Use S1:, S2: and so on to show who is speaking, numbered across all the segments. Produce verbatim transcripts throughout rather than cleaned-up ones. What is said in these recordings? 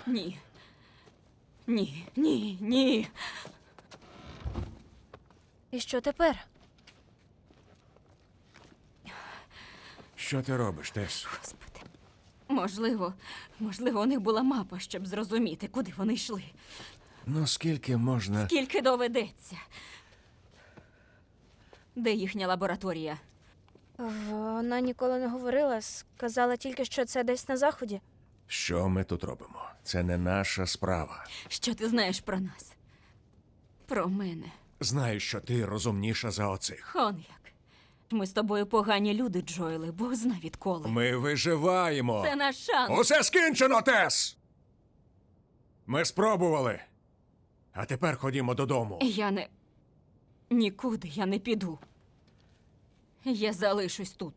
S1: Ні. Ні, ні, ні.
S2: І що тепер?
S3: Що ти робиш, Тес?
S1: Господи. Можливо, можливо, у них була мапа, щоб зрозуміти, куди вони йшли.
S3: Ну, скільки можна...
S1: Скільки доведеться. Де їхня лабораторія?
S2: Вона ніколи не говорила, сказала тільки, що це десь на заході.
S3: Що ми тут робимо? Це не наша справа.
S1: Що ти знаєш про нас? Про мене.
S3: Знаю, що ти розумніша за оцих.
S1: Он як. Ми з тобою погані люди, Джоеле, Бог зна відколи.
S3: Ми виживаємо.
S1: Це наш шанс.
S3: Усе скінчено, Тес! Ми спробували. А тепер ходімо додому.
S1: Я не... Нікуди я не піду. Я залишусь тут.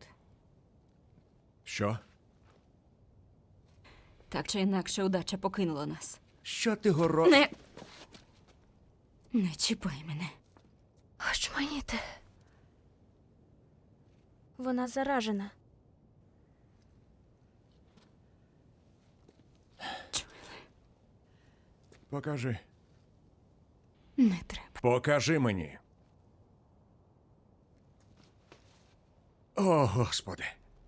S3: Що?
S1: Так чи інакше, удача покинула нас.
S3: Що ти горо...
S1: Не... Не чіпай мене.
S2: Очманіти. Вона заражена.
S3: Покажи.
S1: Не треба.
S3: Покажи мені. О, Господи.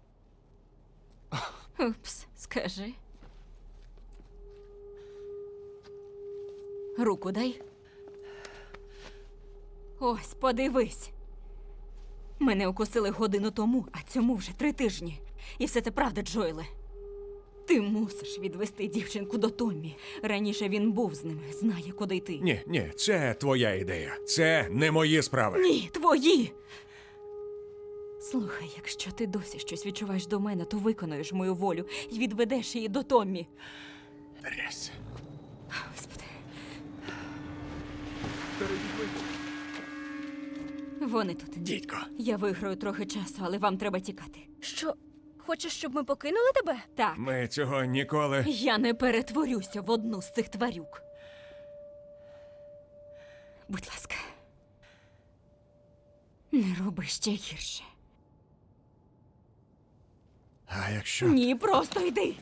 S1: Упс, скажи. Руку дай. Ось, подивись. Мене укусили годину тому, а цьому вже три тижні. І все це правда, Джойле. Ти мусиш відвести дівчинку до Томмі. Раніше він був з ними, знає, куди йти.
S3: Ні, ні, це твоя ідея. Це не мої справи.
S1: Ні, твої! Слухай, якщо ти досі щось відчуваєш до мене, то виконуєш мою волю і відведеш її до Томмі.
S3: Трес.
S1: Господи. Вони тут.
S3: Дідько.
S1: Я виграю трохи часу, але вам треба тікати.
S2: Що? Хочеш, щоб ми покинули тебе?
S1: Так.
S3: Ми цього ніколи...
S1: Я не перетворюся в одну з цих тварюк. Будь ласка. Не роби ще гірше.
S3: А якщо...
S1: Ні, просто йди.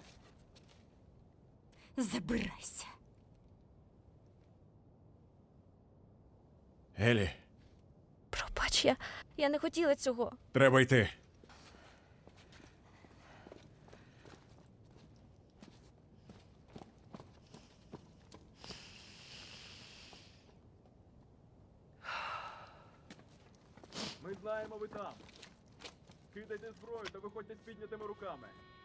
S1: Забирайся.
S3: Елі,
S2: Пробач, я, я не хотіла цього.
S3: треба йти.
S4: Ми знаємо, ви там. Кидайте зброю та виходьте з піднятими руками.